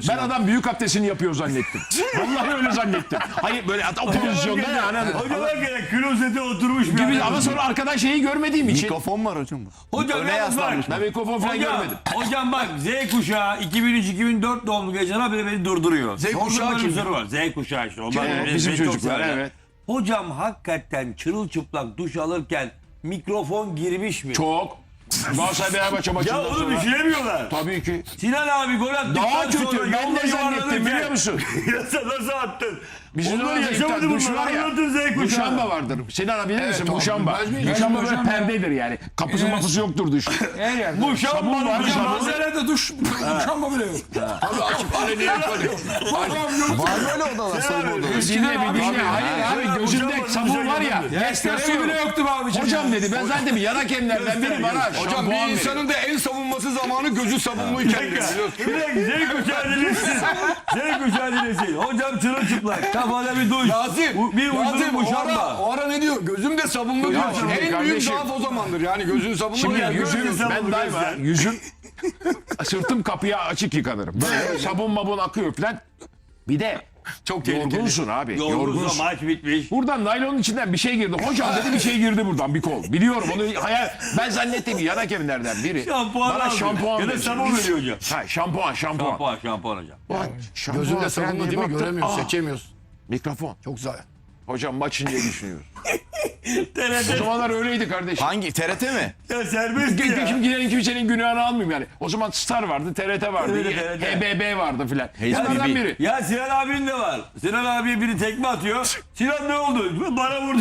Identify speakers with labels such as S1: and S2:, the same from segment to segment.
S1: Ben adam büyük abdestini yapıyor zannettim. Vallahi öyle zannettim. Hayır böyle o pozisyonda yani.
S2: Hocam hakikaten klozete oturmuş bir
S1: Gibi,
S2: adam.
S1: ama sonra arkadan şeyi görmediğim için.
S3: Mikrofon var hocam.
S2: Hocam
S3: Öne
S2: yalnız bak.
S3: yaslanmış.
S1: Ben mikrofon falan görmedim.
S2: Hocam bak Z kuşağı 2003-2004 doğumlu gençler bile beni durduruyor. Z
S1: kuşağı kim?
S2: var. Z kuşağı işte. Onlar
S1: Bizim
S2: çok
S1: çocuklar
S2: severler.
S1: evet.
S2: Hocam hakikaten çırılçıplak duş alırken mikrofon girmiş mi?
S1: Çok. Galatasaray Fenerbahçe
S2: Ya
S1: maçından
S2: onu
S1: sonra.
S2: düşünemiyorlar.
S1: Tabii ki.
S2: Sinan abi gol attıktan
S1: Daha kötü.
S2: sonra
S1: Ben
S2: yolda
S1: ne zannettim
S2: yuvarlanırken-
S1: biliyor musun?
S2: Ya sen nasıl attın?
S1: Bizim
S2: Onları
S1: orada
S2: yaşamadı
S1: duş
S2: bunlar.
S1: var ya.
S2: Anlatın Z kuşağı.
S1: Muşamba vardır. Sinan abi bilir misin? Muşamba. Muşamba böyle perdedir yani. Kapısı mapısı yoktur duş.
S2: Muşamba
S1: Sabun var,
S2: hocam.
S1: sabun.
S4: Manzarada duş muşamba bile yok.
S1: Tabii açıp aleni yaparıyor.
S3: Var böyle odalar soyunma odaları.
S1: Dinle bir dinle.
S4: Abi,
S1: Hayır
S4: abi,
S1: gözümde
S2: Muşamba
S1: sabun var ya.
S4: Espresso bile yoktu be abicim.
S1: Hocam dedi ben zaten bir yan hakemlerden biri bana
S5: Hocam
S1: şampuan
S5: bir
S1: verin.
S5: insanın da en savunması zamanı gözü savunmuyken biliyorsun.
S2: Bir dakika Z kuşağı dinlesin. Z kuşağı dinlesin. Hocam çırılçıplak. Kafada bir duş.
S5: Rasim,
S2: Bir uydurun
S5: Rasim
S2: muşamba.
S5: o ara ne diyor? Gözüm de sabunlu diyor.
S1: şimdi
S5: En büyük
S1: kardeşim-
S5: zaaf o zamandır. Yani gözün sabunlu.
S1: Şimdi
S5: yani
S1: yüzüm
S2: gözün
S1: ben
S2: sabunu
S1: daima
S2: göster.
S1: yüzüm sırtım kapıya açık yıkanırım. Böyle sabun mabun akıyor falan. Bir de
S5: çok tehlikeli.
S1: yorgunsun abi.
S2: Yorgunsa
S1: Yorgunsun.
S2: maç bitmiş.
S1: Buradan naylonun içinden bir şey girdi. Hocam dedi bir şey girdi buradan bir kol. Biliyorum onu hayal. Ben zannettim ki yan hakemlerden biri.
S2: Şampuan
S1: Bana
S2: aldı.
S1: şampuan
S2: Ya da
S1: verecek.
S2: sabun veriyor hocam.
S1: Ha şampuan.
S2: Şampuan hocam.
S1: Şampuan
S5: Gözünde
S1: falan
S5: sabunlu
S1: diye
S5: değil mi?
S1: baktım.
S5: Göremiyorsun,
S1: Aa,
S5: seçemiyorsun.
S1: mikrofon.
S5: Çok güzel.
S1: Hocam maçın diye düşünüyorum. O
S2: TRT.
S1: zamanlar öyleydi kardeşim.
S3: Hangi? TRT mi?
S2: Ya serbest ya.
S1: Kimsenin kimsenin günahını almayayım yani. O zaman Star vardı, TRT vardı,
S2: Evet, TRT.
S1: HBB vardı filan.
S3: HBB.
S1: Bunlardan biri.
S2: Ya Sinan abinin de var. Sinan abiye biri tekme atıyor. Sinan ne oldu? Bana vurdu.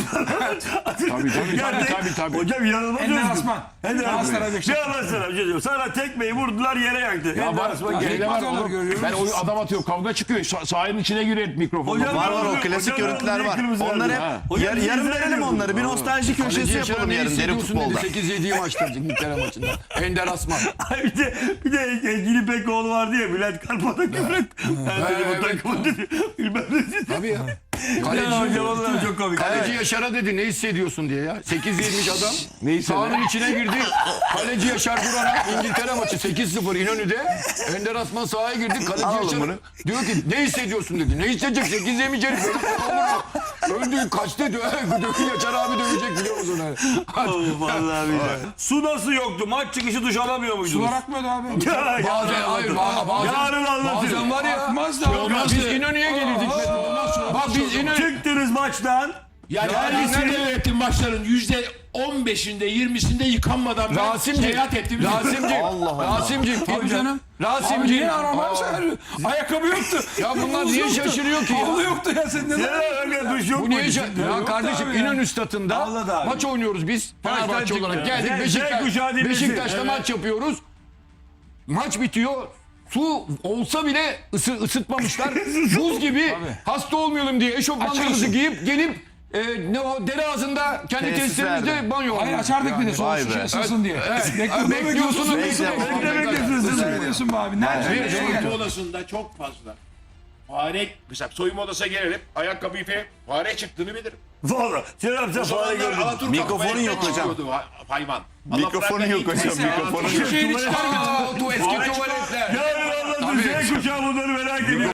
S1: Tabii.
S2: Hocam inanılmaz
S4: Ender
S2: özgür.
S4: Asman.
S2: Ender
S4: Galatasaray
S2: Asman.
S4: Beşiktaş.
S2: Ne anlatsana bir şey diyorum. Sana tekmeyi vurdular yere yaktı.
S1: Ya
S2: Ender
S1: var,
S2: Asman
S1: şeyde
S2: geldi.
S1: var
S4: Olur,
S1: oğlum.
S4: görüyor
S1: Ben
S4: musun?
S1: o adam atıyor, kavga çıkıyor. Sahanın içine giriyor mikrofon.
S2: Hocam,
S3: Var o
S2: Hocam,
S3: klasik
S2: hocam,
S3: görüntüler var.
S2: kırmızı
S3: Onları
S2: verdi.
S3: hep
S2: Hocam,
S3: yarım
S2: biz
S3: verelim
S2: izlemiyoruz.
S3: onları. Bir nostalji köşesi yapalım yarın derin futbolda.
S5: 8-7'yi maçta İngiltere maçında. Ender Asman.
S2: Ay bir de Engin İpekoğlu vardı ya Bülent Karpat'a küfret. Ben dedi bu
S5: evet.
S2: takımı dedi. Bilmem ne.
S5: Tabii ya.
S2: Ya
S5: Kaleci,
S2: hocam onlar çok komik.
S5: kaleci Yaşar'a dedi ne hissediyorsun diye ya. 8-7'miş adam.
S1: Neyse.
S5: Sahanın içine girdi. Kaleci Yaşar Duran'a İngiltere maçı 8-0 İnönü'de. Ender Asman sahaya girdi. Kaleci
S3: Alalım
S5: Yaşar
S3: bunu.
S5: diyor ki ne hissediyorsun dedi. Ne hissedecek 8 yemiş herif. Öldü kaçtı diyor. Yaşar abi dövecek biliyor musun?
S2: Vallahi billahi. Su nasıl yoktu? Maç çıkışı duş alamıyor muydunuz?
S4: Sular akmıyordu abi.
S5: Bazen hayır bazen.
S2: Yarın anlatırım.
S5: Bazen var ya.
S4: Akmaz da.
S5: Biz İnönü'ye gelirdik. Bak biz İnönü.
S2: Çıktınız maçtan.
S1: Yani
S5: Ya,
S1: Ali
S5: nerede-
S1: Seyrettin maçların %15'inde 20'sinde yıkanmadan ben
S5: Rasimciğim.
S1: seyahat ettim.
S5: Rasimciğim.
S3: Allah Allah.
S5: Rasimciğim.
S4: Tabii canım. Abi
S5: Rasimciğim.
S4: niye aramam sen? Ayakkabı yoktu.
S5: Ya bunlar
S4: Havuz
S5: niye
S4: yoktu.
S5: şaşırıyor ki ya?
S4: Havlu yoktu ya sen neden?
S2: Ya öyle duş yok
S5: Bu niye
S2: muydu?
S5: Ya
S4: Yok
S5: kardeşim
S4: abi ya.
S5: İnönü statında
S2: Vallahi abi.
S5: maç oynuyoruz biz. Fenerbahçe
S2: çıktı.
S5: olarak geldik
S2: Z kuşağı dinlesin.
S5: Beşiktaş'ta
S2: Evet.
S5: maç yapıyoruz. Maç bitiyor. Su olsa bile ısıtmamışlar. Buz gibi hasta olmayalım diye eşofmanlarımızı giyip gelip ne o dere ağzında kendi
S3: Tesislerde.
S5: tesislerimizde banyo
S4: Hayır
S5: alıyoruz.
S4: açardık bir de soğuk
S3: Vay
S4: su
S3: be.
S4: ısınsın diye.
S5: Bekliyorsunuz.
S4: Bekliyorsun be abi. Nerede?
S1: Soyunma odasında çok fazla fare, mesela soyunma odasına gelirim, ayakkabıyı fare çıktığını bilirim.
S2: Valla. Sinan sen fare gördün.
S3: Mikrofonun yok hocam.
S1: Hayvan.
S3: Mikrofonun yok hocam. Mikrofonun yok.
S4: Şeyini çıkar.
S5: Eski tuvaletler.
S2: Yarın anlatırım. Z kuşağı bunları merak ediyor.